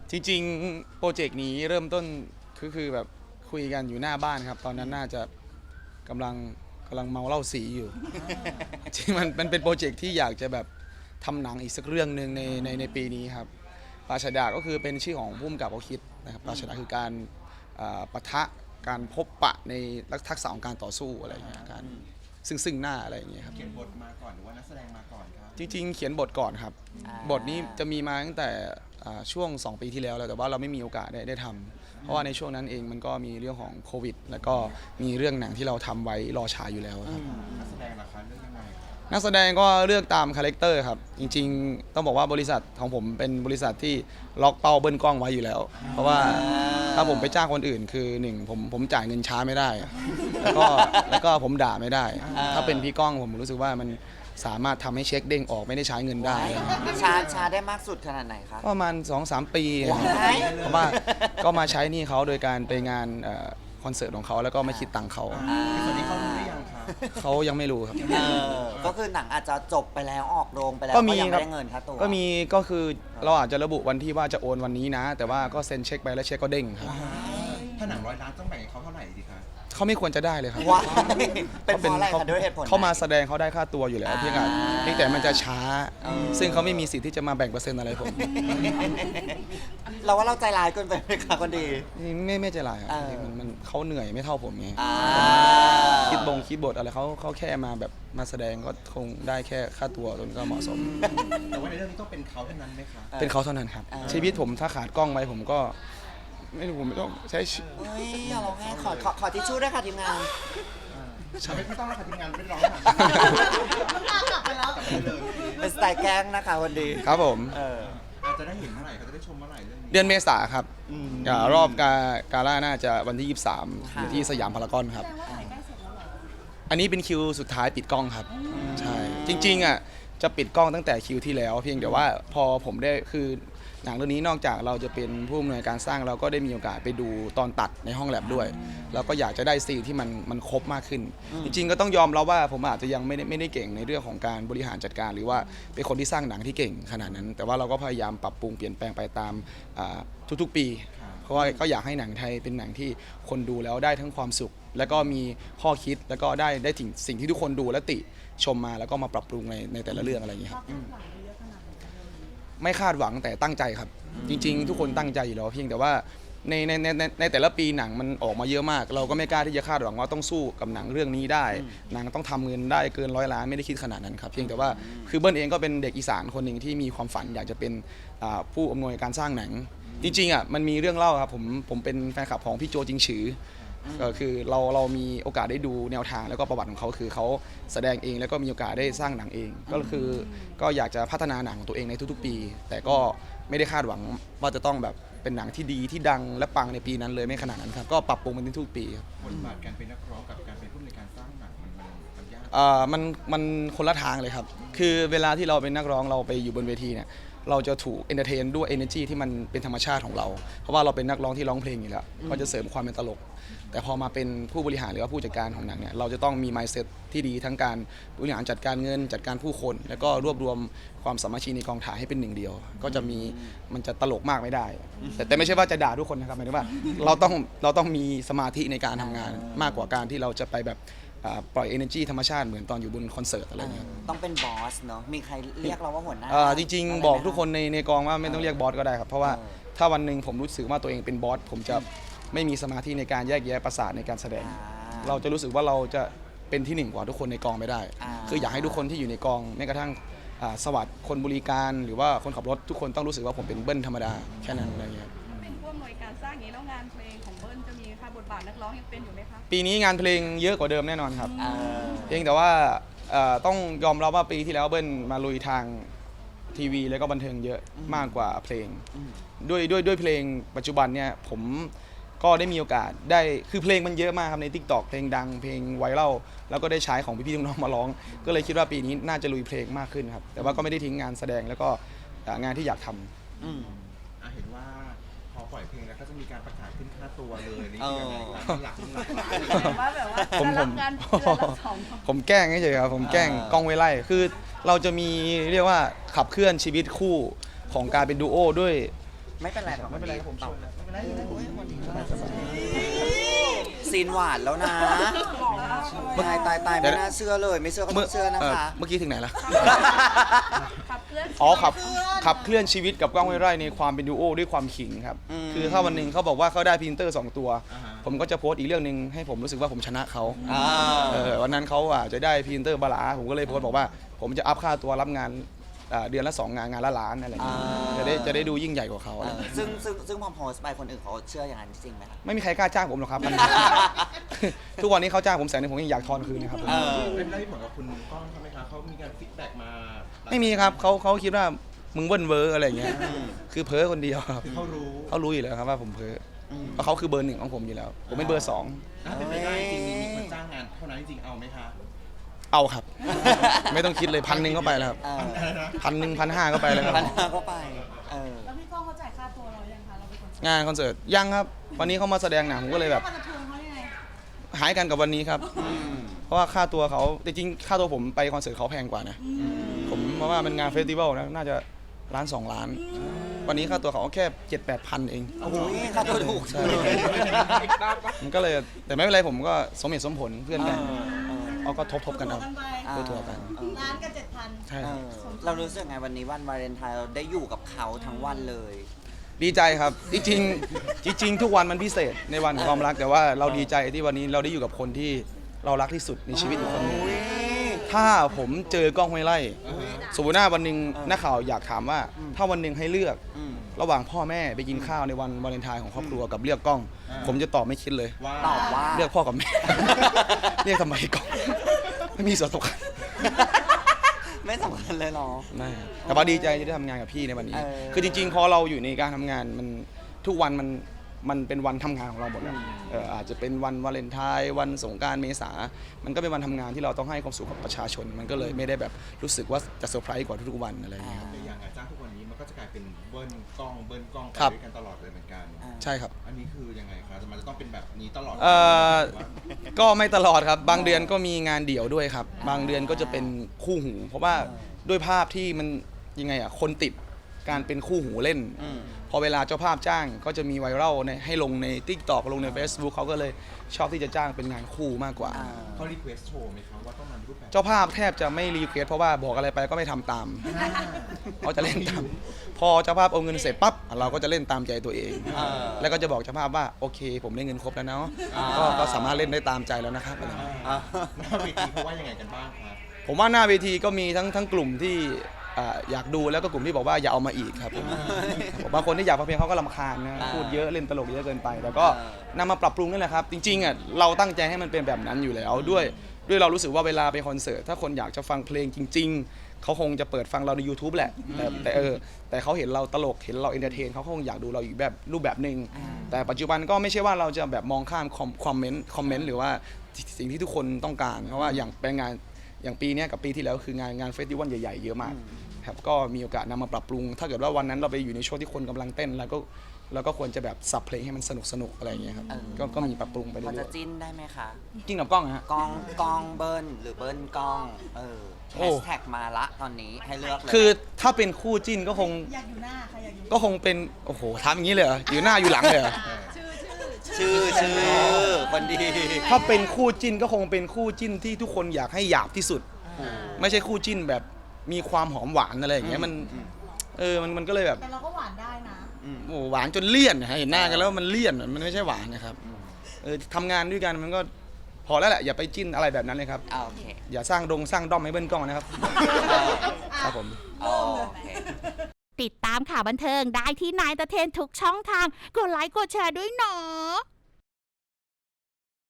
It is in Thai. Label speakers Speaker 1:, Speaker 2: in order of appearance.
Speaker 1: จริงๆโปรเจกต์นี้เริ่มต้นคือแบบคุยกันอยู่หน้าบ้านครับตอนนั้นน่าจะกำลังเมาเหล้าสีอยู่ จริงมันเป็นโปรเจกต์ที่อยากจะแบบทำหนังอีกสักเรื่องหนึ่งในปีนี้ครับปราชดาก็คือเป็นชื่อของผู้กำกับเขาคิดนะครับปราชดาคือการปะทะการพบปะในทักษะของการต่อสู้อะไรอย่างเงี้ยการซึ่งหน้าอะไรอย่างเงี้ยครับ
Speaker 2: เขียนบทมาก่อนหรือว่านักแสดงมาก่อนครับ
Speaker 1: จริงๆเขียนบทก่อนครับบทนี้จะมีมาตั้งแต่ช่วง2 ปีที่แล้วแต่ว่าเราไม่มีโอกาสได้ทำเพราะว่าในช่วงนั้นเองมันก็มีเรื่องของโควิดแล้วก็มีเรื่องหนังที่เราทำไว้รอฉายอยู่แล้วครับ
Speaker 2: นักแสดงราคาเรื่องยังไง
Speaker 1: นักแสดงก็เลือกตามคาแรคเตอร์ครับจริงๆต้องบอกว่าบริษัทของผมเป็นบริษัทที่ล็อกเป้าเบิ้ลกล้องไว้อยู่แล้วเพราะว่าถ้าผมไปจ้างคนอื่นคือผมจ่ายเงินช้าไม่ได้แล้วก็ผมด่าไม่ได้ถ้าเป็นพี่ก้องผมรู้สึกว่ามันสามารถทำให้เช็คเด้งออกไม่ได้ใช้เงินได้
Speaker 3: ช้าได้มากสุดขนาดไหนคะ
Speaker 1: ประมาณ 2-3 ปีเพราะว่าก็มาใช้หนี่เขาโดยการไปงานคอนเสิร์ตของเขาแล้วก็ไม่คิดตังค์เขา
Speaker 2: ตอนนี้เขารู้หรือยังครับ
Speaker 1: เขายังไม่รู้ครับ
Speaker 3: ก็คือหนังอาจจะจบไปแล้วออกโรงไปแล้วก็ยังไม่ได้เงินค่าตัว
Speaker 1: ก็มีก็คือเราอาจจะระบุวันที่ว่าจะโอนวันนี้นะแต่ว่าก็เซ็นเช็คไปแล้วเช็คก็เด้งครับ
Speaker 2: ถ้าหนัง100 ล้านต้องแบ่งให้เขาเท่าไหร่ดีคะ
Speaker 1: เขาไม่ควรจะได้เลยครับ
Speaker 3: ว้าเป็นเพราะอะไรคะด้วยเหตุผล
Speaker 1: เขามาแสดงเขาได้ค่าตัวอยู่แล้วเพียงแต่มันจะช้าซึ่งเขาไม่มีสิทธิ์ที่จะมาแบ่งเปอร์เซ็นต์อะไรผม
Speaker 3: เราว่าเราใจร้ายเกินไปไหมคะคนดี
Speaker 1: ไม่ใจร้ายครับมันเขาเหนื่อยไม่เท่าผมไงคิดบทอะไรเขาแค่มาแบบมาแสดงก็คงได้แค่ค่าตัวจนก็เหมาะสม
Speaker 2: แต่ว่าในเรื่องนี้ต้องเป็นเขาเท่านั้นไหมคะ
Speaker 1: เป็นเขาเท่านั้นครับชีวิตผมถ้าขาดกล้องไปผมก็ไม่รู้ผมไม่ต้องใช้
Speaker 3: อย่าร้องไห้ขอทิชชู่ด้วยค่ะทีมงาน
Speaker 2: ไม่ต้องแล้วค่ะทีมงานไม่ร้อง
Speaker 3: เป็นสไตล์แกล้งนะคะวันดี
Speaker 1: ครับผม
Speaker 2: อาจจะได้เห็นเมื่อไหร่เขาจะได้ชมเมื่อไหร่เรื่องนี้
Speaker 1: เดือนเมษาครับรอบกาล่าน่าจะวันที่23อยู่ที่สยามพารากอนครับอันนี้เป็นคิวสุดท้ายปิดกล้องครับใช่จริงๆอ่ะจะปิดกล้องตั้งแต่คิวที่แล้วเพียงแต่ว่าพอผมได้คือหนังเรื่องนี้นอกจากเราจะเป็นผู้อำนวยการสร้างเราก็ได้มีโอกาสไปดูตอนตัดในห้องแลบด้วยแล้วก็อยากจะได้ซีนที่มันครบมากขึ้นจริงๆก็ต้องยอมรับว่าผมอาจจะยังไม่ได้เก่งในเรื่องของการบริหารจัดการหรือว่าเป็นคนที่สร้างหนังที่เก่งขนาดนั้นแต่ว่าเราก็พยายามปรับปรุงเปลี่ยนแปลงไปตามทุกๆปีเพราะว่าก็อยากให้หนังไทยเป็นหนังที่คนดูแล้วได้ทั้งความสุขแล้วก็มีข้อคิดแล้วก็ได้ถึงสิ่งที่ทุกคนดูและติชมมาแล้วก็มาปรับปรุงในแต่ละเรื่องอะไรอย่างเงี้ยครับไม่คาดหวังแต่ตั้งใจครับจริงๆทุกคนตั้งใจอยู่แล้วเพียงแต่ว่าในแต่ละปีหนังมันออกมาเยอะมากเราก็ไม่กล้าที่จะคาดหวังว่าต้องสู้กับหนังเรื่องนี้ได้หนังต้องทำเงินได้เกิน100 ล้านไม่ได้คิดขนาดนั้นครับเพียงแต่ว่าคือเบิ้ลเองก็เป็นเด็กอีสานคนหนึ่งที่มีความฝันอยากจะเป็นผู้อำนวยการสร้างหนังจริงๆอ่ะมันมีเรื่องเล่าครับผมเป็นแฟนคลับของพี่โจจิงฉือคือเรามีโอกาสได้ดูแนวทางแล้วก็ประวัติของเขาคือเขาแสดงเองแล้วก็มีโอกาสได้สร้างหนังเองก็อยากจะพัฒนาหนังของตัวเองในทุกๆปีแต่ก็ไม่ได้คาดหวังว่าจะต้องแบบเป็นหนังที่ดีที่ดังและปังในปีนั้นเลยไม่ขนาดนั้นครับก็ปรับปรุงมันทุกปีครับ
Speaker 2: บทบาทการเป็นนักร้องกับการเป็นผู้ในการสร้างหนังมันยาก
Speaker 1: มันคนละทางเลยครับคือเวลาที่เราเป็นนักร้องเราไปอยู่บนเวทีเนี่ยเราจะถูกเอนเตอร์เทนด้วย energy ที่มันเป็นธรรมชาติของเราเพราะว่าเราเป็นนักร้องที่ร้องเพลงอยู่แล้วก็จะเสริมความเป็นตลกแต่พอมาเป็นผู้บริหารหรือว่าผู้จัดการของหนังเนี่ยเราจะต้องมี mindset ที่ดีทั้งการบริหารจัดการเงินจัดการผู้คนแล้วก็รวบรวมความสามัคคีในกองถ่ายให้เป็นหนึ่งเดียวก็จะมันจะตลกมากไม่ได้แต่ไม่ใช่ว่าจะด่าทุกคนนะครับหมายถึงว่าเราต้องมีสมาธิในการทำงานมากกว่าการที่เราจะไปแบบปล่อย energy ธรรมชาติเหมือนตอนอยู่บนคอนเสิร์ตอะไรเงี้ย
Speaker 3: ต้องเป็นบอสเนาะมีใครเรียกเราว่าหัวหน้า
Speaker 1: จริงๆบอกทุกคนในกองว่าไม่ต้องเรียกบอสก็ได้ครับเพราะว่าถ้าวันหนึ่งผมรู้สึกว่าตัวเองเป็นบอสผมจะไม่มีสมาธิในการแยกแยะประสาทในการแสดงเราจะรู้สึกว่าเราจะเป็นที่หนึ่งกว่าทุกคนในกองไม่ได้คืออยากให้ทุกคนที่อยู่ในกองแม้กระทั่งสวัสดิ์คนบริการหรือว่าคนขับรถทุกคนต้องรู้สึกว่าผมเป็นเบิ้ลธรรมดาแค่นั้นอะไรเงี้ย
Speaker 4: เป็นผู้อำนวยการสร้างอย่างนี้แล้วงานเพลงของเบิ้ลจะมีค่ะบทบาทนักร้องยังเป็นอยู่ไหมคะ
Speaker 1: ปีนี้งานเพลงเยอะกว่าเดิมแน่นอนครับเพียงแต่ว่าต้องยอมรับว่าปีที่แล้วเบิ้ลมาลุยทางทีวีแล้วก็บันเทิงเยอะมากกว่าเพลงด้วยเพลงปัจจุบันเนี่ยผมก็ได้มีโอกาสได้คือเพลงมันเยอะมากครับใน TikTok เพลงดังเพลงไวรัลแล้วก็ได้ใช้ของพี่ๆน้องๆมาร้องก็เลยคิดว่าปีนี้น่าจะลุยเพลงมากขึ้นครับแต่ว่าก็ไม่ได้ทิ้งงานแสดงแล้วก็งานที่อยากท
Speaker 2: ำเห็นว่าพอปล่อยเพลงแล้วก็จะมีการประกาศขึ้นค่าตัวเลยนี่หลัก
Speaker 4: ว่าแบบว่า
Speaker 1: ผมแกล้งเฉยๆครับผมแกล้งกล้องไว้ไล่คือเราจะมีเรียกว่าขับเคลื่อนชีวิตคู่ของการเป็นดูโอด้วย
Speaker 3: ไม่เป็นไรหรอก
Speaker 1: ไม่เป็นไรครับผมชวนแล้วไม่เป็นไร
Speaker 3: ซีนหวานแล้วนะตายไม่น่าเชื่อเลยไม่เชื่อก็ต้องเชื่อนะคะ
Speaker 1: เมื่อกี้ถึงไหนล่ะ
Speaker 4: ขับเคลื่อน
Speaker 1: อ๋อขับเคลื่อนชีวิตกับก้องห้วยไร่ในความเป็นดูโอด้วยความขิงครับ คือถ้าวันหนึ่งเขาบอกว่าเขาได้พรีเซนเตอร์ 2 ตัว ผมก็จะโพสต์อีกเรื่องหนึ่งให้ผมรู้สึกว่าผมชนะเขาวันนั้นเขาจะได้พรีเซนเตอร์บาลาผมก็เลยโพสต์บอกว่าผมจะอัพค่าตัวรับงานเดือนละ 2 งานละล้านอะไรอย่างเงี้ยจะได้ดูยิ่งใหญ่กว่าเขาอะไรอย่างเงี้ย
Speaker 3: ซึ่งพอโพสต์ไปคนอื่นเขาเชื่ออย่างนั้นจริงไหมคะ
Speaker 1: ไม่มีใครกล้าจ้างผมหรอกครับ ทุกวันนี้เขาจ้างผม100,000ผมยังอยากทอนคืนนะครับ
Speaker 2: เป็นได้เหมือนกับคุณก้องใช่ไหมคะเขามีการฟีดแบ็กมา
Speaker 1: ไม่มีครับเขาคิดว่ามึงเบิ้ลเวอร์อะไรอย่างเงี้ยคือเพ้อคนเดียวครับ
Speaker 2: เขารู้
Speaker 1: เขารู้อยู่แล้วครับว่าผมเพ้อเพราะเขาคือเบอร์ 1ของผมอยู่แล้ว ผมเป็นเบอร์
Speaker 2: ถ้าเป็นไปได้จริงมีคนจ้างงานเท่านั้นจริงเอาไหมคะ
Speaker 1: 2เอาครับ ไม่ต้องคิดเลย1,000ก็ไปแล้วครับ1,000 1,500ก็ไปแล้วครับ
Speaker 3: พันก็ไป
Speaker 4: แล้วพี่ก้องเขาจ่ายค่าตัวเรายังคะเราเป็นคน
Speaker 1: งานคอนเสิร์ตยังครับ วันนี้เขามาแสดงหนังผมก็เลยแบบ
Speaker 4: เขาจะชวนเขายังไง
Speaker 1: หายกันกับวันนี้ครับ เพราะว่าค่าตัวเขาจริงๆค่าตัวผมไปคอนเสิร์ตเขาแพงกว่านะผมเพราะว่ามันงานเฟสติวัลนะน่าจะ1-2 ล้าน วันนี้ค่าตัวเขาแค่ 7-8,000 เอง
Speaker 3: โอ้โหค่าตัวถูก
Speaker 1: ใช่มันก็เลยแต่ไม่เป็นไรผมก็สมเหตุสมผลเพื่อนกันเอาก็ทบกันเอา ตัวกัน
Speaker 4: ล้านกับ7,000
Speaker 1: ใช่
Speaker 3: เรารู้สึกไงวันนี้วันวาเลนไทน์เราได้อยู่กับเขาทั้งวันเลย
Speaker 1: ดีใจครับจริงๆทุกวันมันพิเศษในวันของความรักแต่ว่าเราดีใจที่วันนี้เราได้อยู่กับคนที่เรารักที่สุดในชีวิตอีกคนหนึงถ้าผมเจอกล้องห้วยไร่สมมติว่าวันหนึ่งนักข่าวอยากถามว่าถ้าวันหนึ่งให้เลือกระหว่างพ่อแม่ไปกินข้าวในวันวาเลนไทน์ของครอบครัวกับเลือกกล้อง ผมจะตอบไม่คิดเลย
Speaker 3: ตอบว่า
Speaker 1: เลือกพ่อกับแม่ เรียกทำไมกล้องไม่มีส่วนสำคัญ
Speaker 3: ไม่สำคัญเลยเนาะ
Speaker 1: ไม่แต่ว่าดีใจที่ได้ทำงานกับพี่ในวันนี้ คือจริงๆพอเราอยู่ในการทำงานมันทุกวันมันเป็นวันทำงานของเราหมดแล้วอาจจะเป็นวันวาเลนไทน์วันสงกรานต์เมษามันก็เป็นวันทำงานที่เราต้องให้ความสุขกับประชาชน มันก็เลยไม่ได้แบบรู้สึกว่าจะเซอร์ไพรส์กว่าทุกๆวันอะไรอย่างเงี้ยครับ
Speaker 2: แต่อย่างงานจ้างทุกวันนี้มันก็จะกลายเป็นเบิ้ลกล้องไป
Speaker 1: ครับ
Speaker 2: ด้วยกันตลอดเลยเหมือนกัน
Speaker 1: ใช่ครับ
Speaker 2: อันนี้คือยังไงคะมันจะต้องเป็นแบบนี้ตลอด
Speaker 1: ก็ไม่ตลอดครับบางเดือนก็มีงานเดี่ยวด้วยครับบางเดือนก็จะเป็นคู่หู เพราะว่าด้วยภาพที่มันยังไงคนติดการเป็นคู่หูเล่น พอเวลาเจ้าภาพจ้างก็จะมีไวรัลให้ลงใน TikTok ลงใน Facebook เขาก็เลยชอบที่จะจ้างเป็นงานคู่มากกว่า
Speaker 2: เขารีเควสโชว์ไหมครับว่าต้องมารูปแบบ
Speaker 1: เจ้าภาพแทบจะไม่รีเควสเพราะว่าบอกอะไรไปก็ไม่ทำตามเขาจะเล่นตามพอเจ้าภาพเอาเงินเสร็จปั๊บเราก็จะเล่นตามใจตัวเอง แล้วก็จะบอกเจ้าภาพว่าโอเคผมได้เงินครบแล้วเนาะก็สามารถเล่นได้ตามใจแล้วนะครับอะไรอย่างเงี้ย
Speaker 2: หน้าเวทีเขาว่ายังไงกันบ้างครับ
Speaker 1: ผมว่าหน้าเวทีก็มีทั้งกลุ่มที่อยากดูแล้วก็กลุ่มที่บอกว่าอย่าเอามาอีกครับผมบางคนที่อยากฟังเพลงเขาก็รำคาญนะพูดเยอะเล่นตลกเยอะเกินไปแต่ก็นำมาปรับปรุงนั่นแหละครับจริงๆเราตั้งใจให้มันเป็นแบบนั้นอยู่แล้วด้วยเรารู้สึกว่าเวลาไปคอนเสิร์ตถ้าคนอยากจะฟังเพลงจริง ๆเขาคงจะเปิดฟังเราใน YouTube แหละแต่เขาเห็นเราตลกเห็นเราเอนเตอร์เทนเขาคงอยากดูเราอีกแบบรูปแบบหนึ่งแต่ปัจจุบันก็ไม่ใช่ว่าเราจะแบบมองข้ามคอมเมนต์หรือว่าสิ่งที่ทุกคนต้องการเพราะว่าอย่างเป็นงานอย่างปีนี้กับปีที่แล้วคืองานเฟสติวัลใหญ่ๆเยอะมากครับก็มีโอกาสนำมาปรับปรุงถ้าเกิดว่าวันนั้นเราไปอยู่ในช่วงที่คนกำลังเต้นแล้วก็ควรจะแบบสับเพลงให้มันสนุกอะไรอย่างเงี้ยครับก็มีปรับปรุงไปเรื่
Speaker 3: พอ
Speaker 1: อ
Speaker 3: จะ
Speaker 1: ย
Speaker 3: จิ้นได้ไหมคะ
Speaker 1: ๆกิ้งกับกล้องนะฮะ
Speaker 3: กองเบิ้ลหรือเบิ้ลกล้องแฮชแท็กมาละตอนนี้ให้เลือกเลย
Speaker 1: คือถ้าเป็นคู่จิ้นก็คง
Speaker 4: อยากอยู่หน้าค่ะอยากอยู่
Speaker 1: ก็คงเป็นโอ้โหทำอย่างนี้เลยเหรออยู่หน้าอยู่หลังเลยเหรอ
Speaker 3: ชื่อคนดี
Speaker 1: ถ้าเป็นคู่จิ้นก็คงเป็นคู่จิ้นที่ทุกคนอยากให้หยาบที่สุด ไม่ใช่คู่จิ้นแบบมีความหอมหวานอะไรอย่างเงี้ยมันก็เลยแบบ
Speaker 4: แต่เราก็หวานได้นะ
Speaker 1: โอ้หวานจนเลี่ยนนะเห็นหน้ากันแล้วมันเลี่ยนมันไม่ใช่หวานนะครับทำงานด้วยกันมันก็พอแล้วแหละอย่าไปจิ้นอะไรแบบนั้นเลยครับ
Speaker 3: โอเค
Speaker 1: อย่าสร้างด้อมให้เบิ้ลกล้องนะครับครับผม
Speaker 3: โอเค
Speaker 5: ติดตามข่าวบันเทิงได้ที่นายตะเทนทุกช่องทาง กดไลค์กดแชร์ด้วยเนาะ